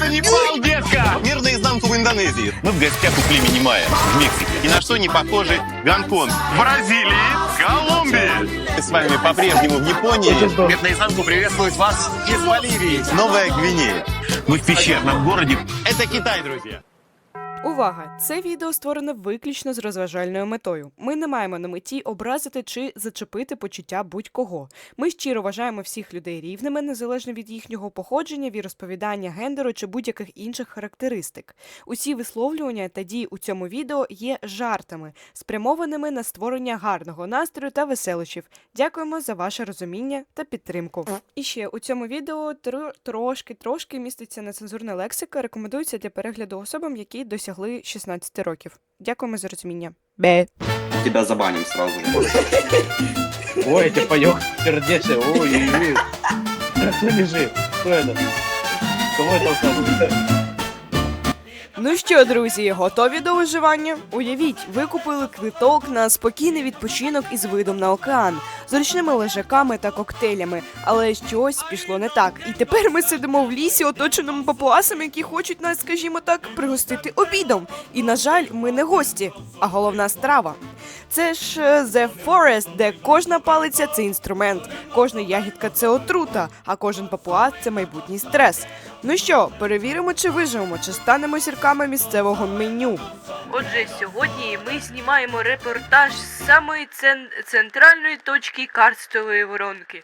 Это Непал, детка! Мир наизнанку в Индонезии. Мы в гостях у племени майя в Мексике. И на что не похожи Гонконг. В Бразилии, Колумбии. Мы с вами по-прежнему в Японии. Мир наизнанку приветствует вас из Боливии. Новая Гвинея. Мы в пещерном городе. Это Китай, друзья. Увага! Це відео створено виключно з розважальною метою. Ми не маємо на меті образити чи зачепити почуття будь-кого. Ми щиро вважаємо всіх людей рівними, незалежно від їхнього походження, віросповідання, гендеру чи будь-яких інших характеристик. Усі висловлювання та дії у цьому відео є жартами, спрямованими на створення гарного настрою та веселощів. Дякуємо за ваше розуміння та підтримку. І ще у цьому відео трошки міститься нецензурна лексика, рекомендується для перегляду особам, які досягли 16 років. Дякуємо за розуміння. Бе. Тебя забаним сразу же. Ой, ты поёк сердечный, ой. Кто лежит? Кто это? Кого это толкнул? Ну що, друзі, готові до виживання? Уявіть, ви купили квиток на спокійний відпочинок із видом на океан, з ручними лежаками та коктейлями, але щось пішло не так. І тепер ми сидимо в лісі, оточеному папуасами, які хочуть нас, скажімо так, пригостити обідом. І, на жаль, ми не гості, а головна страва. Це ж The Forest, де кожна палиця – це інструмент, кожна ягідка – це отрута, а кожен папуас – це майбутній стрес. Ну що, перевіримо, чи виживемо, чи станемо зірками місцевого меню. Отже, сьогодні ми знімаємо репортаж з самої центральної точки карстової воронки.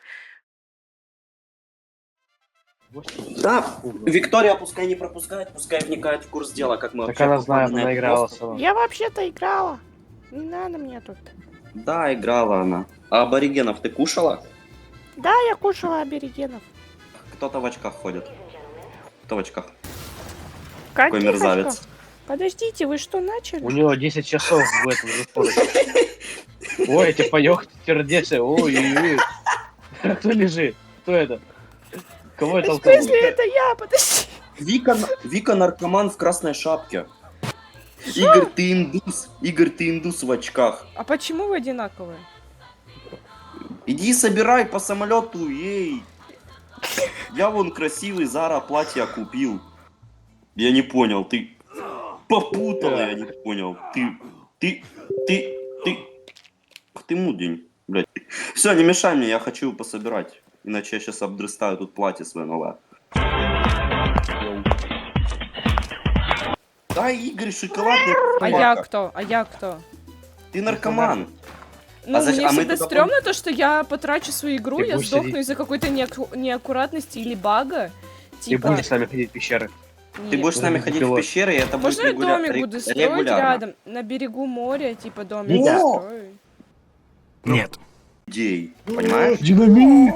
Да, Виктория пускай не пропускает, пускай вникает в курс дела, как мы Так вообще она знает, попали на она этот играла остров. сама. Я вообще-то играла. Не надо мне тут. Да, играла она. А аборигенов ты кушала? Да, я кушала аборигенов. Кто-то в очках ходит. Кто в очках? Каких Какой мерзавец. очков? Подождите, вы что начали? У него 10 часов в этом же. Ой, ты поёк сердечный, ой. Кто лежит? Кто это? Кого это В толкнул? смысле, это я? Подожди. Вика наркоман в красной шапке. Игорь, ты индус. Игорь, ты индус в очках. А почему вы одинаковые? Иди собирай по самолету, ей. Я вон красивый Зара платье купил. Я не понял, ты попутала, я не понял. Ты мудень, блядь. Все, не мешай мне, я хочу пособирать. Иначе я сейчас обдрыстаю тут платье свое новое. Да, Игорь, шоколадный. А я кто? А я кто? Ты наркоман. Ну, зачем- мне а мы всегда туда стрёмно то, что я потрачу свою игру, Ты я будешь сдохну сидеть. из-за какой-то неаккуратности или бага. Ты Типа, будешь с нами ходить в пещеры. Ты нет. будешь с нами Будет ходить в пилот. пещеры, и это будет Можно я домик буду строить регулярно. рядом, на берегу моря, типа домик Витя. строю? Нет. Идей, понимаешь? Динамит!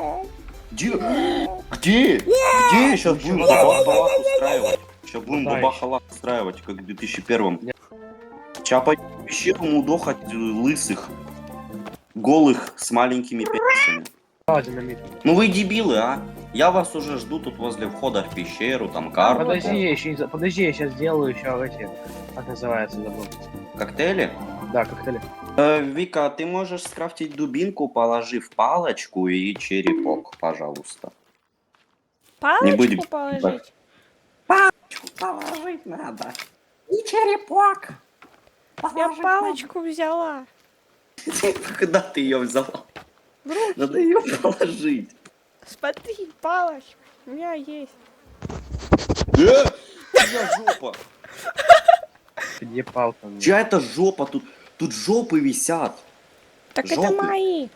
Где? Где? Сейчас будем бабахалак устраивать. Сейчас будем Дай. бабахалак устраивать, как в 2001-м. Чапать в пещеру удохать лысых, голых, с маленькими пенисами. А, динамит. Ну вы дебилы, а? Я вас уже жду тут возле входа в пещеру, там карту. Подожди, я еще подожди, я сейчас сделаю еще эти. Как называется, забыл. Коктейли? Да, коктейли. Вика, ты можешь скрафтить дубинку, положив палочку и черепок, пожалуйста. Палочку будем. положить? Палочку положить надо. И черепок. Я палочку взяла. Когда ты ее взяла? В руки. Надо ее положить. Смотри, палочка. У меня есть. Чья жопа? Где палка? Чья это жопа? Тут жопы висят. Так Жопы. это мои.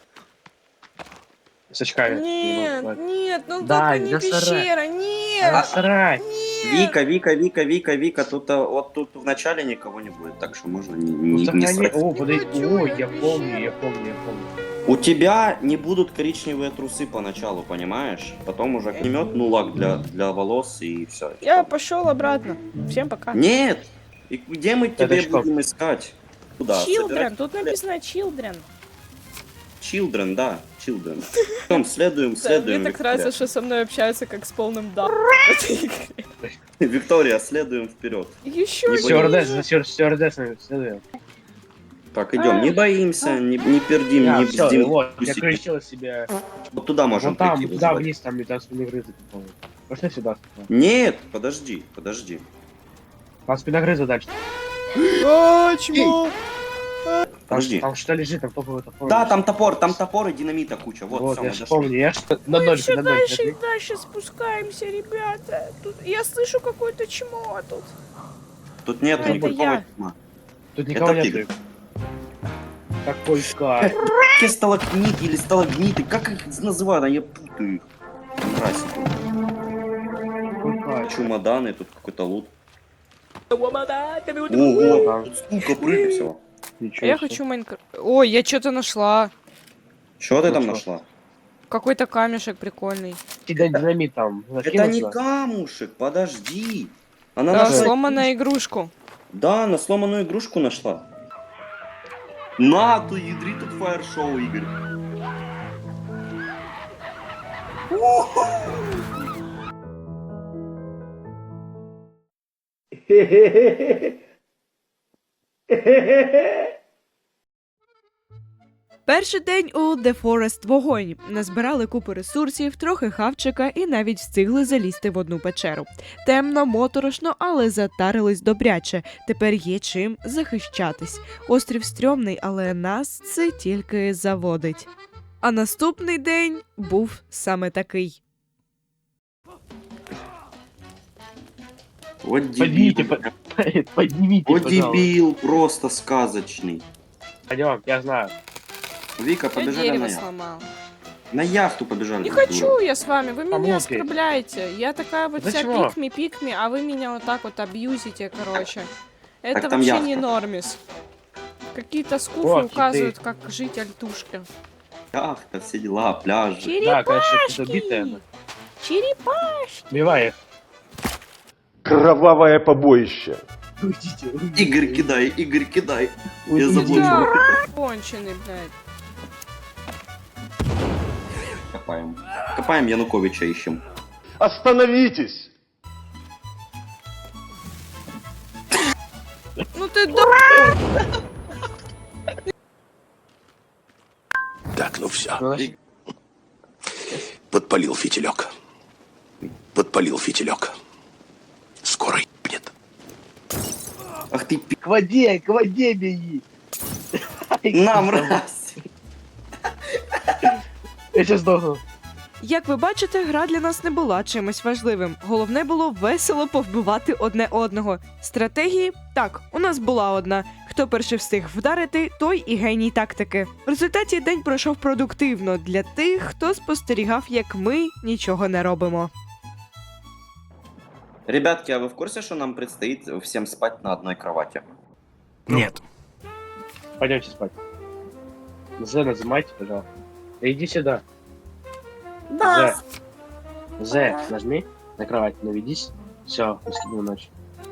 С очками. Нет, нет, ну Да, только не насрать. пещера, нет. Насрать! Вика, Вика, тут вот тут в начале никого не будет, так что можно Ну, не сохрани- срать. О, подожди. хочу Ой, я. я помню. У тебя не будут коричневые трусы поначалу, понимаешь? Потом уже поймет, ну лак для волос и все. Я пошел обратно. Всем пока. Нет! И где мы тебе что? будем искать? Куда? Children, Собирать? тут написано children. Children, да, children. Идем, следуем. Мне так Виктория. нравится, что со мной общаются как с полным да. Виктория, следуем вперед. Еще Не Стюардессами следуем. Так, идем, не боимся, не пердим, не Все, бздим. вот, я Тусики. включил себе. Вот туда можем Вот там, прийти туда вызывать. вниз, там не грызы, по-моему. Пошли сюда. Нет, подожди, подожди. Там спиногрыза дальше. А, чмо! Подожди. Там что лежит, там топовый топор. Да, там топор и динамита куча. Вот, Вот, всё, я мы же дошли. помню, я ж на Мы ноль, все на ноль. дальше и подожди. дальше спускаемся, ребята. Тут я слышу какое-то чмо тут. Тут нет Это никакого я. тьма. Тут никого Это нет. Какой кайф. Какие сталактиты или сталагмиты, как их называют, а я путаю их. Мразь. Какой кайф. Чемоданы, тут какой-то лут. Ого, Ага. тут сколько прыгай всего. Ничего Я себе. хочу Майнкрафт. Ой, я что-то нашла. Что ты Ну там что? нашла? Какой-то камешек прикольный. Динамит там. Это не камушек, подожди. Она Да, нашла... сломанную игрушку. Да, она сломанную игрушку нашла. На, ты ядри тут фаер-шоу, Игорь. Перший день у The Forest вогонь. Назбирали купу ресурсів, трохи хавчика і навіть встигли залізти в одну печеру. Темно, моторошно, але затарились добряче. Тепер є чим захищатись. Острів стрьомний, але нас це тільки заводить. А наступний день був саме такий. Вот Поднимите, дебил. поднимите, Вот пожалуйста. дебил, просто сказочный. Пойдем, я знаю. Вика, побежали на яхту. сломал. На яхту побежали. Не дура. хочу я с вами, вы меня Помолчи. оскорбляете. Я такая вот вся Почему? пикми, а вы меня вот так вот абьюзите, короче. Это Так там вообще яхта. не нормис. Какие-то скуфы Вот, указывают, как жить альтушке. Яхта, все дела, пляжи. Да, конечно, ты добитая. Черепашки! Убивай их. Кровавое побоище. Уйдите, Игорь, кидай, Игорь, кидай. Я Уйдите. забыл. Да, конченый, блядь. Копаем. Копаем, Януковича ищем. Остановитесь! Ну ты дурак! Так, ну все. Ну, значит, Подпалил фитилек. Подпалил фитилек. Скоро ебнет. Ах ты к воде беги. на, мразь. Я сейчас сдохну. Як ви бачите, гра для нас не була чимось важливим. Головне було весело повбивати одне одного. Стратегії? Так, у нас була одна. Хто перший встиг вдарити, той і геній тактики. В результаті день пройшов продуктивно для тих, хто спостерігав, як ми нічого не робимо. Ребятки, а вы в курсе, что нам предстоит всем спать на одной кровати? Нет. Пойдемте спать. З нажимайте, пожалуйста. Да иди сюда. Да. З, нажми на кровать, наведись. Все, скину ночь.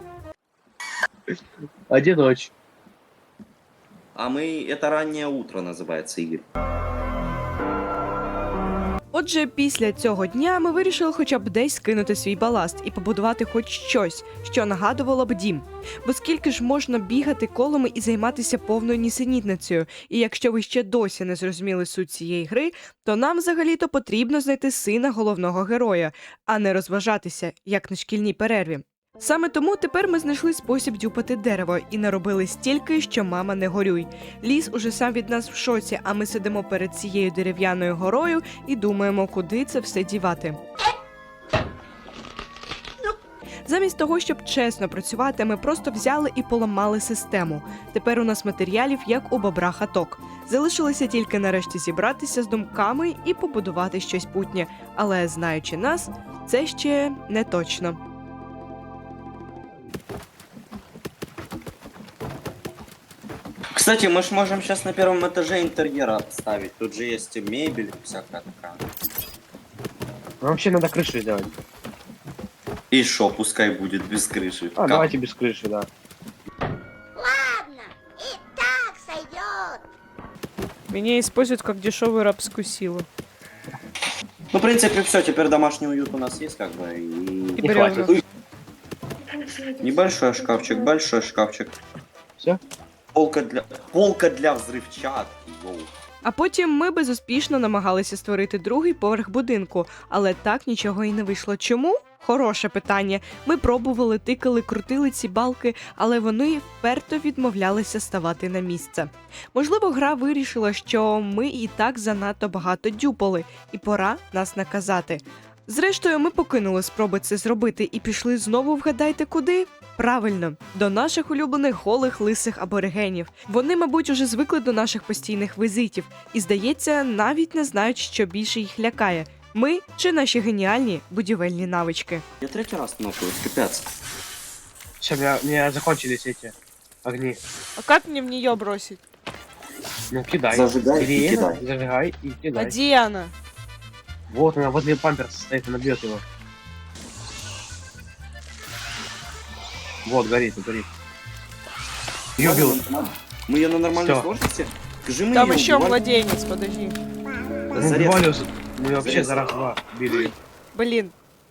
Один ночь. А мы... Это раннее утро называется, Игорь. Отже, після цього дня ми вирішили хоча б десь скинути свій баласт і побудувати хоч щось, що нагадувало б дім. Бо скільки ж можна бігати колами і займатися повною нісенітницею? І якщо ви ще досі не зрозуміли суть цієї гри, то нам взагалі-то потрібно знайти сина головного героя, а не розважатися, як на шкільній перерві. Саме тому тепер ми знайшли спосіб дюпати дерево і наробили стільки, що мама не горюй. Ліс уже сам від нас в шоці, а ми сидимо перед цією дерев'яною горою і думаємо, куди це все дівати. Замість того, щоб чесно працювати, ми просто взяли і поламали систему. Тепер у нас матеріалів, як у бобра хаток. Залишилося тільки нарешті зібратися з думками і побудувати щось путнє. Але, знаючи нас, це ще не точно. Кстати, мы ж можем сейчас на первом этаже интерьера ставить. Тут же есть и мебель, всякая такая. Ну, вообще надо крышу сделать. И шо, пускай будет без крыши. А, Как? давайте без крыши, да. Ладно, и так сойдет. Меня используют как дешевую рабскую силу. Ну, в принципе, все, теперь домашний уют у нас есть, как бы, и... И Не бревна. хватит. Небольшой шкафчик, большой шкафчик. Все? Полка для взрывчатки, йоу. А потім ми безуспішно намагалися створити другий поверх будинку, але так нічого і не вийшло. Чому? Хороше питання. Ми пробували, тикали, крутили ці балки, але вони вперто відмовлялися ставати на місце. Можливо, гра вирішила, що ми і так занадто багато дюпали, і пора нас наказати. Зрештою, ми покинули спроби це зробити і пішли знову, вгадайте куди? Правильно, до наших улюблених голих лисих аборигенів. Вони, мабуть, уже звикли до наших постійних візитів і, здається, навіть не знають, що більше їх лякає. Ми чи наші геніальні будівельні навички. Я третий раз нокаюсь, капец. Все, у меня закончились эти огни. А як мені в неї бросить? Ну, кидай. Зажигай Бери и это, кидай. зажигай и А кидай. де вона? Вот она возле памперса стоит, она бьет его. Вот, горит, горит. Ее убил. Мы ее на нормальной Всё. сложности? Скажи мне, Там её ще убивали? младенець, подожди. Да Ну, зарез. убивали, мы вообще Зарез. за раз-два били. Блін,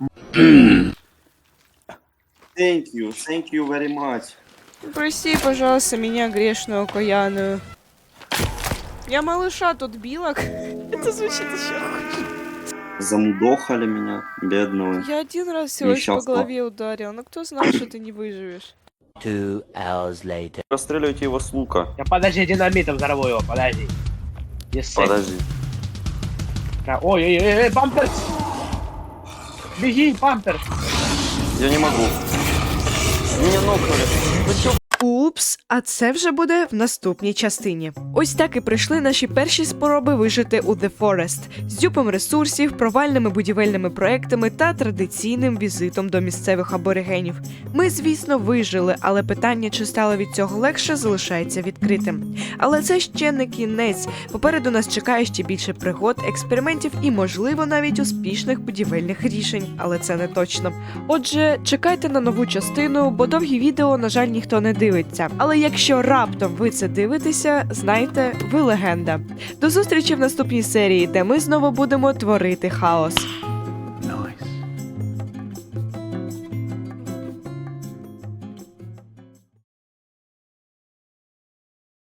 Thank you very much. прости, пожалуйста, меня грешную окаянную. Я малыша тут била. Это звучит еще хуже. Замудохали меня, бедного. Я один раз всего лишь по Несчастного. голове ударил, но кто знал, что ты не выживешь? Расстреливайте его с лука. Я подожди, динамитом взорву его, подожди. Yes, Подожди. Ой, памперс! Беги, памперс! Я не могу. Меня нокнули. Вы чё? Упс, а це вже буде в наступній частині. Ось так і пройшли наші перші спроби вижити у The Forest з дюпом ресурсів, провальними будівельними проектами та традиційним візитом до місцевих аборигенів. Ми, звісно, вижили, але питання, чи стало від цього легше, залишається відкритим. Але це ще не кінець. Попереду нас чекає ще більше пригод, експериментів і, можливо, навіть успішних будівельних рішень, але це не точно. Отже, чекайте на нову частину, бо довгі відео, на жаль, ніхто не дивиться. Але якщо раптом ви це дивитеся, знайте, ви легенда. До зустрічі в наступній серії, де ми знову будемо творити хаос.